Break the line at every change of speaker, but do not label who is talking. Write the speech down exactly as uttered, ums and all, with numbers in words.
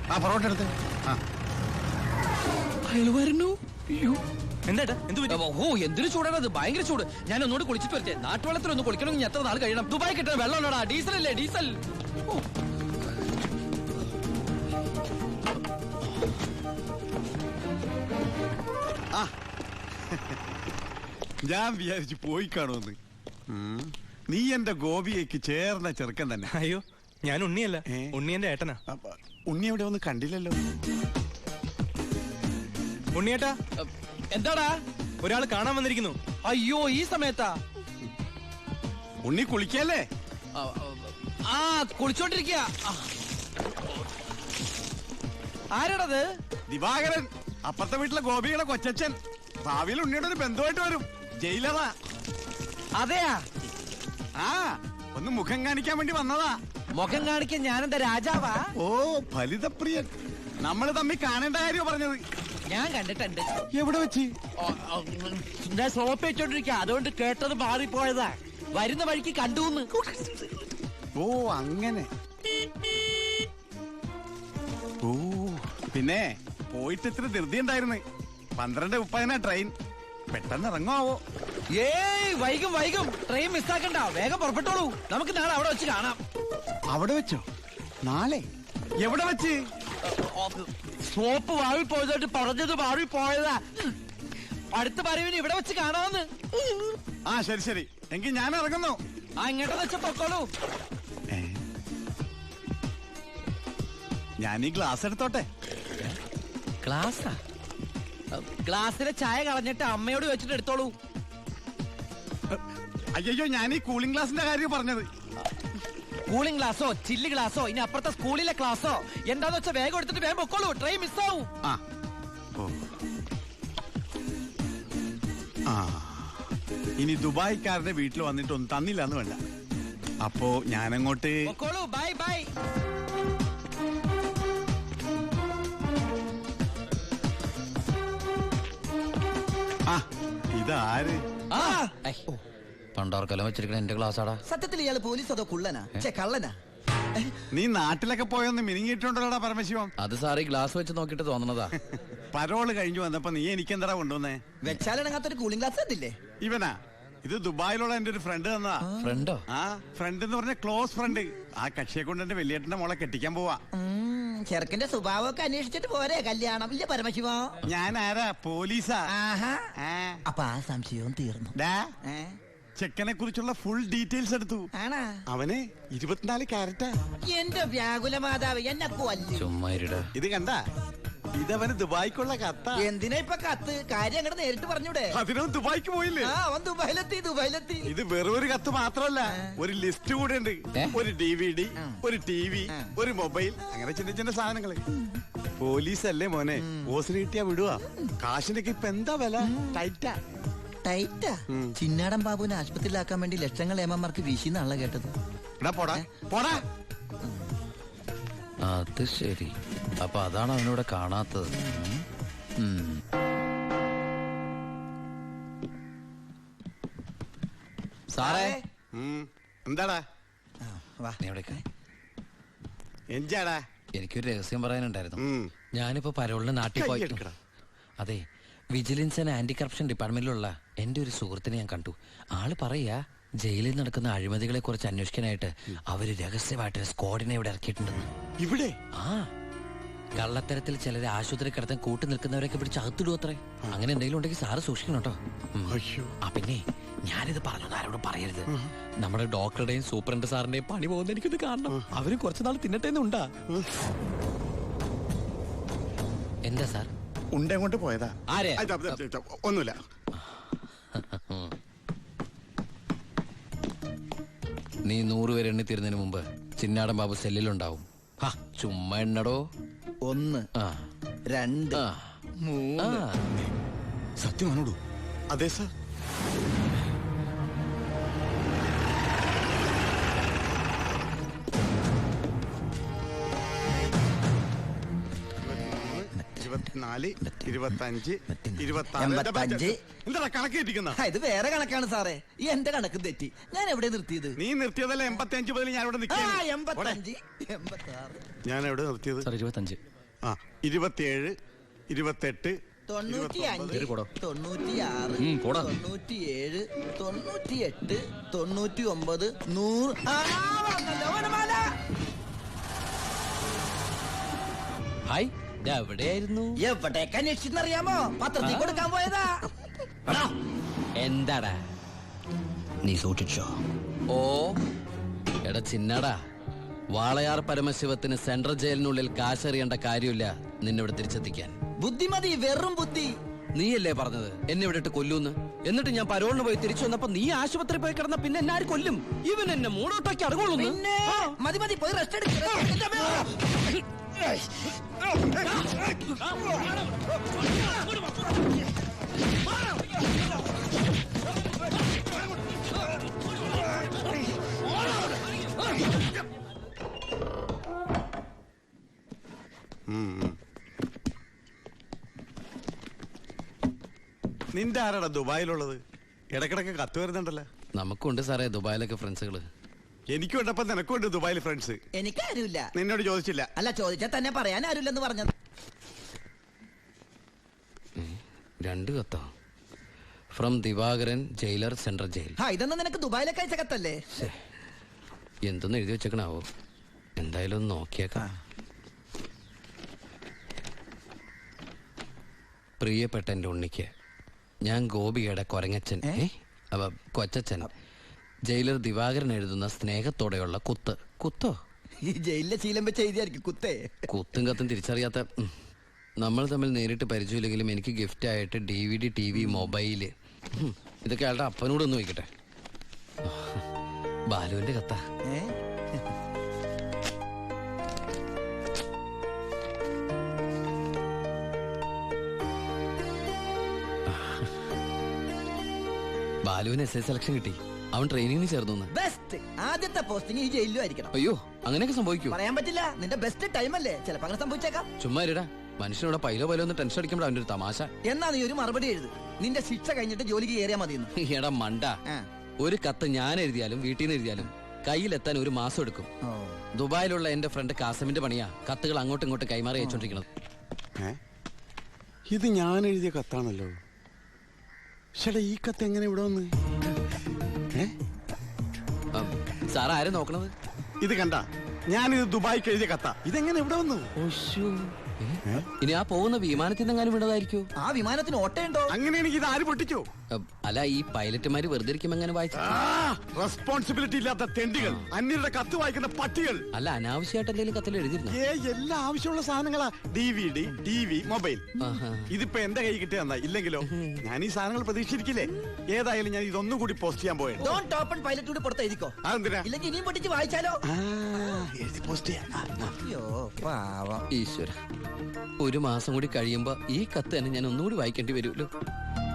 ആ പൊറോട്ട എടുത്ത്.
അയാൾ വരുന്നു.
എന്താ
ഓ എന്തൊരു ചൂടാണത്, ഭയങ്കര ചൂട്. ഞാൻ ഒന്നുകൂടി കുളിച്ചിട്ട് വരട്ടെ. നാട്ടുവെള്ളത്തിൽ ഒന്ന് കുളിക്കണമെങ്കിൽ എത്ര നാൾ കഴിയണം? ദുബായ് കിട്ടുന്ന വെള്ളം ഉണ്ടോടാ? ഡീസൽ അല്ലേ, ഡീസൽ.
ഞാൻ വിചാരിച്ചു പോയി കാണുമെന്ന്. നീ എന്റെ ഗോപിയേക്ക് ചേർന്ന ചെറുക്കൻ തന്നെ.
അയ്യോ, ഞാൻ ഉണ്ണിയല്ല, ഉണ്ണി എന്റെ ഏട്ടനാ.
ഉണ്ണി എവിടെ ഒന്നും കണ്ടില്ലല്ലോ.
ഉണ്ണിയേട്ടാ,
എന്താടാ?
ഒരാള് കാണാൻ വന്നിരിക്കുന്നു.
അയ്യോ, ഈ സമയത്താ?
ഉണ്ണി കുളിക്കല്ലേ?
ആ കുളിച്ചോണ്ടിരിക്കുക. ആരാടത്?
ദിവാകരൻ, അപ്പുറത്തെ വീട്ടിലെ ഗോപിയുടെ കൊച്ചച്ഛൻ. ഭാവിയിൽ ഉണ്ണിയുടെ ഒരു ബന്ധുവായിട്ട് വരും. ജയിലറാ.
അതെയാ?
ആ, ഒന്ന് മുഖം കാണിക്കാൻ വേണ്ടി വന്നതാ.
മുഖം കാണിക്കാൻ ഞാനെന്താ രാജാവാ?
ഓ ഫലിതപ്രിയൻ. നമ്മള് തമ്മിൽ കാണേണ്ട കാര്യമോ പറഞ്ഞത്?
ഞാൻ കണ്ടിട്ടുണ്ട്.
എവിടെ വെച്ച്?
ഞാൻ സോപ്പ് വെച്ചോണ്ടിരിക്കുക, അതുകൊണ്ട് കേട്ടത് മാറിപ്പോയതാ. വരുന്ന വഴിക്ക് കണ്ടുന്ന്.
ഓ അങ്ങനെ. ഓ പിന്നെ പോയിട്ട് ഇത്ര ധൃതി ഉണ്ടായിരുന്നു. പന്ത്രണ്ട് മുപ്പതിനാ ട്രെയിൻ. പെട്ടെന്ന് ഇറങ്ങുമാവോ?
ഏയ് വൈകും വൈകും. ട്രെയിൻ മിസ്സാക്കണ്ട, വേഗം പുറപ്പെട്ടോളൂ. നമുക്ക് നാളെ അവിടെ വെച്ച് കാണാം.
അവിടെ വെച്ചോ? നാളെ എവിടെ വെച്ച്?
സോപ്പ് വാഴി പോയതായിട്ട് പറഞ്ഞത് മാറി പോയതാ. അടുത്ത പറവിന് ഇവിടെ വെച്ച് കാണാമെന്ന്.
ആ ശരി ശരി, എങ്കിൽ ഞാൻ ഇറങ്ങുന്നു.
ആ ഇങ്ങോട്ട് വെച്ച പൊക്കോളൂ.
ഞാൻ ഈ ഗ്ലാസ് എടുത്തോട്ടെ.
ഗ്ലാസാ? ഗ്ലാസ്സിലെ ചായ കളഞ്ഞിട്ട് അമ്മയോട് വെച്ചിട്ട് എടുത്തോളൂ.
അയ്യോ, ഞാൻ ഈ കൂളിംഗ് ഗ്ലാസിന്റെ കാര്യം പറഞ്ഞത്.
കൂളിംഗ് ഗ്ലാസോ ചില്ല് ഗ്ലാസോ ഇനി അപ്പുറത്തെ സ്കൂളിലെ ക്ലാസ്സോ എന്താന്ന് വെച്ചാൽ വേഗം എടുത്തിട്ട് വേഗം പൊക്കോളൂ. ട്രെയിൻ മിസ്സാവും.
ആ ഇനി ദുബായ്ക്കാരുടെ വീട്ടിൽ വന്നിട്ടൊന്നും തന്നില്ല എന്ന് വേണ്ട. അപ്പോ ഞാനങ്ങോട്ട്
പൊക്കോളൂ. Bye bye.
ആ ഇതാര്?
പണ്ടോർക്കെല്ലാം വെച്ചിരിക്കണ എന്റെ ക്ലാസ്സാടാ.
സത്യത്തിൽ ഇയാള് പോലീസ് അതോ കുള്ളനാ? കള്ളനാ?
നീ നാട്ടിലൊക്കെ പോയൊന്ന് മിനിങ്ങിയിട്ടുണ്ടല്ലോടാ പരമശിവം.
അത് സാറി ഗ്ലാസ് വെച്ച് നോക്കിട്ട് തോന്നണതാ.
പരോള് കഴിഞ്ഞു വന്നപ്പോ നീ എനിക്കെന്താ കൊണ്ടുവന്നേ?
വെച്ചാലിണങ്ങാത്തൊരു കൂളിംഗ് ഗ്ലാസ് തന്നില്ലേ?
ഇവനാ? ഇത് ദുബായിലുള്ള എന്റെ ഒരു ഫ്രണ്ട് തന്നതാ.
ഫ്രണ്ടോ?
ആ ഫ്രണ്ട് എന്ന് പറഞ്ഞ ക്ലോസ് ഫ്രണ്ട്. ആ കക്ഷിയെ കൊണ്ട് എന്റെ വലിയേട്ടന്റെ മോളെ കെട്ടിക്കാൻ പോവാ.
ചെറുക്കന്റെ സ്വഭാവമൊക്കെ അന്വേഷിച്ചിട്ട് പോരെ കല്യാണം? ഇല്ല പരമശിവ,
ഞാൻ ആരാ? പോലീസാ.
അപ്പൊ ആ സംശയവും തീർന്നു.
ചെക്കനെ കുറിച്ചുള്ള ഫുൾ ഡീറ്റെയിൽസ് എടുത്തു.
ആണാ?
അവന് ഇരുപത്തിനാല് ക്യാരറ്റാ.
എന്റെ വ്യാകുല മാതാവ്, എന്നെ കൊല്ലും.
ഇത് കണ്ട, ഇതവന് ദുബായിക്കുള്ള കത്ത.
എന്തിനാ ഇപ്പൊ കത്ത്? കാര്യം അങ്ങോട്ട് നേരിട്ട് പറഞ്ഞൂടെ?
അതിനും ദുബായിക്ക് പോയില്ലേ?
ആ അവൻ ദുബായിലെത്തി ദുബായിലെത്തി.
ഇത് വെറും ഒരു കത്ത് മാത്രമല്ല, ഒരു ലിസ്റ്റ് കൂടെ ഉണ്ട്. ഒരു ഡി വി ഡി, ഒരു ടി വി, ഒരു മൊബൈൽ, അങ്ങനെ ചിന്ന ചിന്ന സാധനങ്ങള്. പോലീസ് അല്ലേ മോനെ, ഓസിന് കിട്ടിയാ വിടുവാ. കാശിനൊക്കെ ഇപ്പൊ എന്താ വില? ടൈറ്റാ
ടൈറ്റാ. ചിന്നാടൻ ബാബുവിനെ ആശുപത്രിയിലാക്കാൻ വേണ്ടി ലക്ഷങ്ങൾ ഏമാർക്ക് വീശിന്നാണല്ലോ കേട്ടത്.
പോടാ പോടാ.
അത് ശരി, അപ്പൊ അതാണ് അവനോട് കാണാത്തത്. സാറേ.
എന്താടാ?
എന്താടാ? എനിക്കൊരു രഹസ്യം പറയാനുണ്ടായിരുന്നു. ഞാനിപ്പോ പരോളിന് നാട്ടിൽ പോയി. അതെ, വിജിലൻസ് ആൻഡ് ആന്റി കറപ്ഷൻ ഡിപ്പാർട്ട്മെന്റിലുള്ള എന്റെ ഒരു സുഹൃത്തിനെ ഞാൻ കണ്ടു. ആള് പറയാ ജയിലിൽ നടക്കുന്ന അഴിമതികളെ കുറിച്ച് അന്വേഷിക്കാനായിട്ട് അവര് രഹസ്യമായിട്ട് സ്ക്വാഡിനെ ഇവിടെ ഇറക്കിയിട്ടുണ്ടെന്ന്.
ഇവിടെ?
ആ, കള്ളത്തരത്തിൽ ചിലരെ ആശുപത്രി കിടത്താൻ കൂട്ടി നിൽക്കുന്നവരൊക്കെ പിടിച്ച് അകത്തിടും അത്രേ. അങ്ങനെ എന്തെങ്കിലും ഉണ്ടെങ്കിൽ സാറ് സൂക്ഷിക്കണം കേട്ടോ. ആ പിന്നെ ഞാനിത് പറഞ്ഞു ആരോടും പറയരുത്. നമ്മുടെ ഡോക്ടറുടെയും സൂപ്രണ്ട് സാറിന്റെയും പണി പോകുന്ന എനിക്കിത് കാണണം. അവരും കുറച്ചുനാൾ തിന്നട്ടേന്നുണ്ടാ. എന്താ സാർ?
ഉണ്ടേ കൊണ്ട് പോയതാ.
ആരെ?
ഒന്നുമില്ല.
നീ നൂറുപേരെ എണ്ണി തീരുന്നതിന് മുമ്പ് ചിന്നാടൻ ബാബു സെല്ലിലുണ്ടാവും. ചുമ്മാ എണ്ണടോ.
ഒന്ന്, രണ്ട്, മൂന്ന്.
സത്യമാണോടൂ? അതെ സാർ. ഇരുപത്തിനാല് ഇരുപത്തഞ്ച്
എൺപത്തഞ്ച്.
എന്താ കണക്ക് തെറ്റിക്കുന്ന?
ആ, ഇത് വേറെ കണക്കാണ് സാറേ. ഈ എന്റെ കണക്ക് തെറ്റി. ഞാൻ എവിടെ നിർത്തിയത്?
നീ നിർത്തിയതല്ല എൺപത്തി അഞ്ച് മുതൽ ഞാൻ ഇവിടെ
ആ,
നിൽക്കുകയാണ്.
എൺപത്തഞ്ച് എൺപത്തി ആറ്
ഞാൻ എവിടെ നിർത്തിയത്?
സാർ ഇരുപത്തഞ്ച്.
ആ ഇരുപത്തിയേഴ് ഇരുപത്തെട്ട്
തൊണ്ണൂറ്റി അഞ്ച്
ഇരുപത്തൊമ്പത്.
തൊണ്ണൂറ്റി ആറ്
ഉം, പോടാ.
തൊണ്ണൂറ്റി ഏഴ് തൊണ്ണൂറ്റി എട്ട് തൊണ്ണൂറ്റി ഒമ്പത് നൂറ്. ആ, വന്നല്ലോ, വനമാല.
ഹായ്, ഇത് എവിടെയായിരുന്നു?
എവിടേക്കാ അന്വേഷിച്ചെന്നറിയാമോ? പത്രത്തിൽ കൊടുക്കാൻ പോയതാ.
എന്താടാ
നീ സൂക്ഷിച്ചോ.
ഓ എടാ ചിന്നടാ, വാളയാർ പരമശിവത്തിന് സെൻട്രൽ ജയിലിനുള്ളിൽ കാശറിയേണ്ട കാര്യമില്ല നിന്നിവിടെ തിരിച്ചെത്തിക്കാൻ.
ബുദ്ധിമതി, വെറും ബുദ്ധി.
നീയല്ലേ പറഞ്ഞത് എന്നെ ഇവിടെ ഇട്ട് കൊല്ലൂന്ന്? എന്നിട്ട് ഞാൻ പരോളിന് പോയി തിരിച്ചു വന്നപ്പോ നീ ആശുപത്രി പോയി കിടന്ന പിന്നെ എന്നെ ആര് കൊല്ലും? ഇവൻ എന്നെ മൂടോട്ടാക്കി അടങ്ങുള്ളൂ.
പിന്നെ മതി മതി, പോയി റെസ്റ്റ് എടുക്ക.
നിന്റെ ആരാടാ ദുബായിലുള്ളത്? ഇടക്കിടക്ക് കത്ത് വരുന്നുണ്ടല്ലോ.
നമുക്കുണ്ട് സാറേ ദുബായിലൊക്കെ ഫ്രണ്ട്സുകള്.
എനിക്കും ഉണ്ടപ്പോ നിനക്കുണ്ട് ദുബായിൽ ഫ്രണ്ട്സ്.
എനിക്കാരുമില്ല.
നിന്നോട് ചോദിച്ചില്ല.
അല്ല, ചോദിച്ചാൽ തന്നെ പറയാൻ ആരുമില്ലെന്ന് പറഞ്ഞത്.
രണ്ട് കത്തോ? From Divakaran, jailer, central jail.
ആ, ഇതൊന്നും നിനക്ക് ദുബായിലൊക്കെ അയച്ച കത്തല്ലേ?
എന്തൊന്നും എഴുതി വെച്ചേക്കണാവോ? എന്തായാലും ഒന്ന് നോക്കിയേക്കാം. പ്രിയപ്പെട്ട എൻ്റെ ഉണ്ണിക്ക്, ഞാൻ ഗോപികയുടെ കൊരങ്ങച്ചൻ, ഏ അവ കൊച്ചച്ചൻ, ജയിലർ ദിവാകരൻ എഴുതുന്ന സ്നേഹത്തോടെയുള്ള കുത്ത്. കുത്തോ?
ഈ ജയിലിലെ ശീലം വെച്ച് എഴുതിയായിരിക്കും കുത്തേ.
കുത്തും കത്തും തിരിച്ചറിയാത്ത ഉം. നമ്മൾ തമ്മിൽ നേരിട്ട് പരിചയമില്ലെങ്കിലും എനിക്ക് ഗിഫ്റ്റ് ആയിട്ട് D V D, T V, mobile, ഉം. ഇതൊക്കെ അയാളുടെ അപ്പനോടൊന്ന് വയ്ക്കട്ടെ. ബാലുവിന്റെ കത്താ.
ഏ?
ബാലുവിന് എസ് ഐ സെലക്ഷൻ കിട്ടി. അവൻ ട്രെയിനിങ്ങിന് ചേർന്നു.
ബെസ്റ്റ്. ആദ്യത്തെ പോസ്റ്റിംഗ് ഈ ജയിലിലും ആയിരിക്കണം.
അയ്യോ, അങ്ങനെയൊക്കെ സംഭവിക്കൂ?
പറയാൻ പറ്റില്ല. നിന്റെ ബെസ്റ്റ് ടൈം അല്ലേ, ചിലപ്പോ അങ്ങനെ സംഭവിച്ചേക്കാം.
ചുമ്മാ ഇരടാ, മനുഷ്യനോട് പൈലോ പൈലോ ഒന്ന് ടെൻഷൻ അടിക്കുമ്പോൾ അവൻ്റെ ഒരു തമാശ.
എന്നാ നീ ഒരു മറുപടി എഴുത്. നിന്റെ ശിക്ഷ കഴിഞ്ഞിട്ട് ജോലിക്ക് കയറിയാ മതിയെന്ന്.
എടാ മണ്ട,
ആ.
ഒരു കത്ത് ഞാൻ എഴുതിയാലും വീട്ടിൽ നിന്ന് എഴുതിയാലും കയ്യിലെത്താൻ ഒരു മാസം എടുക്കും.
ഓ.
ദുബായിലുള്ള എന്റെ ഫ്രണ്ട് കാസമിന്റെ പണിയാ കത്തുകൾ അങ്ങോട്ടും ഇങ്ങോട്ടും കൈമാറി അയച്ചോണ്ടിരിക്കുന്നത്.
ഏ? ഇത് ഞാൻ എഴുതിയ കത്താണല്ലോ. ചേട്ടാ, ഈ കത്ത് എങ്ങനെ ഇവിടെ വന്ന്?
സാർ ആരെ നോക്കണത്?
ഇത് കണ്ട, ഞാനിത് ദുബായിക്ക് എഴുതിയ കത്ത. ഇതെങ്ങനെ ഇവിടെ വന്നു?
ഇനി ആ പോകുന്ന വിമാനത്തിൽ നിന്നെങ്ങാനും വീണതായിരിക്കോ?
ആ വിമാനത്തിന് ഓട്ടയുണ്ടോ?
അങ്ങനെയാണെങ്കിൽ ഇത് ആര് പൊട്ടിച്ചോ?
അല്ല, ഈ പൈലറ്റുമാര് വെറുതെ ഇരിക്കുമ്പോ എങ്ങനെ വായിച്ചു?
റെസ്പോൺസിബിലിറ്റി ഇല്ലാത്ത തെണ്ടികൾ, അന്യരുടെ കത്ത് വായിക്കുന്ന പട്ടികൾ.
അല്ല, അനാവശ്യമായിട്ട് എന്തെങ്കിലും കത്തിൽ എഴുതിയിരുന്നു?
ഏ, എല്ലാ ആവശ്യമുള്ള സാധനങ്ങളാ. D V D, T V, mobile.
ആഹാ.
ഇതിപ്പോ എന്റെ കൈ കിട്ടിയ ഇല്ലെങ്കിലോ ഞാൻ ഈ സാധനങ്ങൾ പ്രതീക്ഷിച്ചിരിക്കില്ലേ? ഏതായാലും ഞാൻ ഇതൊന്നും കൂടി പോസ്റ്റ് ചെയ്യാൻ പോയത്.
ഡോണ്ട് ഓപ്പൺ പൈലറ്റ് കൂടി പുറത്ത് എഴുതിക്കോ.
അതെന്തിനാ?
ഇല്ലെങ്കിൽ ഇനിയും പൊട്ടിച്ച് വായിച്ചാലോ?
എഴുതി പോസ്റ്റ് ചെയ്യാം.
അയ്യോ പാവം.
ഈശ്വര, ഒരു മാസം കൂടി കഴിയുമ്പോ ഈ കത്ത് തന്നെ ഞാൻ ഒന്നുകൂടി വായിക്കേണ്ടി വരുമല്ലോ.